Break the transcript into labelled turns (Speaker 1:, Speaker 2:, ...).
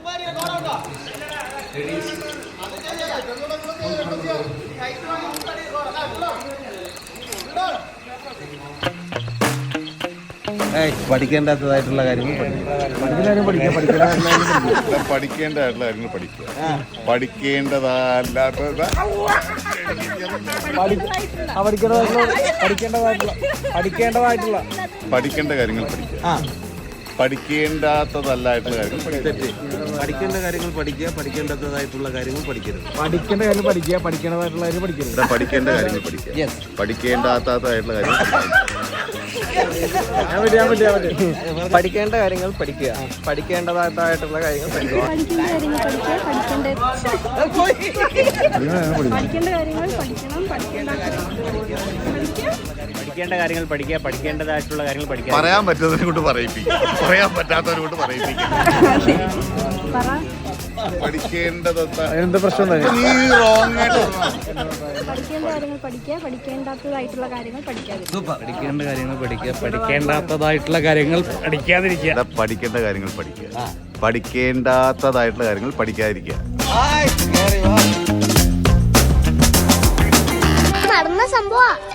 Speaker 1: പഠിക്കേണ്ടതായിട്ടുള്ള കാര്യങ്ങൾ
Speaker 2: പഠിക്കേണ്ടതായിട്ടുള്ള കാര്യങ്ങൾ പഠിക്കുക. പഠിക്കേണ്ടതല്ലാത്തത് പഠിക്കേണ്ട കാര്യങ്ങൾ പഠിക്കുക. പഠിക്കേണ്ടാത്തതല്ലായിട്ടുള്ള കാര്യങ്ങൾ
Speaker 1: പഠിക്കേണ്ട കാര്യങ്ങൾ പഠിക്കുക. പഠിക്കേണ്ടതായിട്ടുള്ള കാര്യങ്ങൾ പഠിക്കരുത്.
Speaker 3: പഠിക്കേണ്ട കാര്യം പഠിക്കുക. പഠിക്കേണ്ടതായിട്ടുള്ള കാര്യം പഠിക്കരുത്.
Speaker 2: പഠിക്കേണ്ട കാര്യങ്ങൾ പഠിക്കുക. പഠിക്കേണ്ടാത്തതായിട്ടുള്ള കാര്യങ്ങൾ
Speaker 3: പഠിക്കേണ്ട കാര്യങ്ങൾ പഠിക്കുക. പഠിക്കേണ്ടതായിട്ടുള്ള കാര്യങ്ങൾ പഠിക്കുക.
Speaker 4: പഠിക്കേണ്ട കാര്യങ്ങൾ പഠിക്കുക. പഠിക്കേണ്ടതായിട്ടുള്ള കാര്യങ്ങൾ പഠിക്കുക.
Speaker 2: പറയാൻ പറ്റുന്നതിനെ കൊണ്ട് പറയിപ്പിക്കും, പറയാൻ പറ്റാത്തവരെ കൊണ്ട് പറയിപ്പിക്കും.
Speaker 3: എന്താ പ്രശ്നം?
Speaker 5: പഠിക്കേണ്ട കാര്യങ്ങൾ പഠിക്കുക. പഠിക്കേണ്ടാത്തതായിട്ടുള്ള കാര്യങ്ങൾ പഠിക്കാതിരിക്കുക.
Speaker 4: പഠിക്കേണ്ട കാര്യങ്ങൾ പഠിക്കുക. പഠിക്കേണ്ടാത്തതായിട്ടുള്ള കാര്യങ്ങൾ പഠിക്കാതിരിക്കുക.
Speaker 2: പഠിക്കേണ്ട കാര്യങ്ങൾ പഠിക്കുക. പഠിക്കേണ്ടാത്തതായിട്ടുള്ള കാര്യങ്ങൾ പഠിക്കാതിരിക്കുക.
Speaker 5: നടന്ന സംഭവം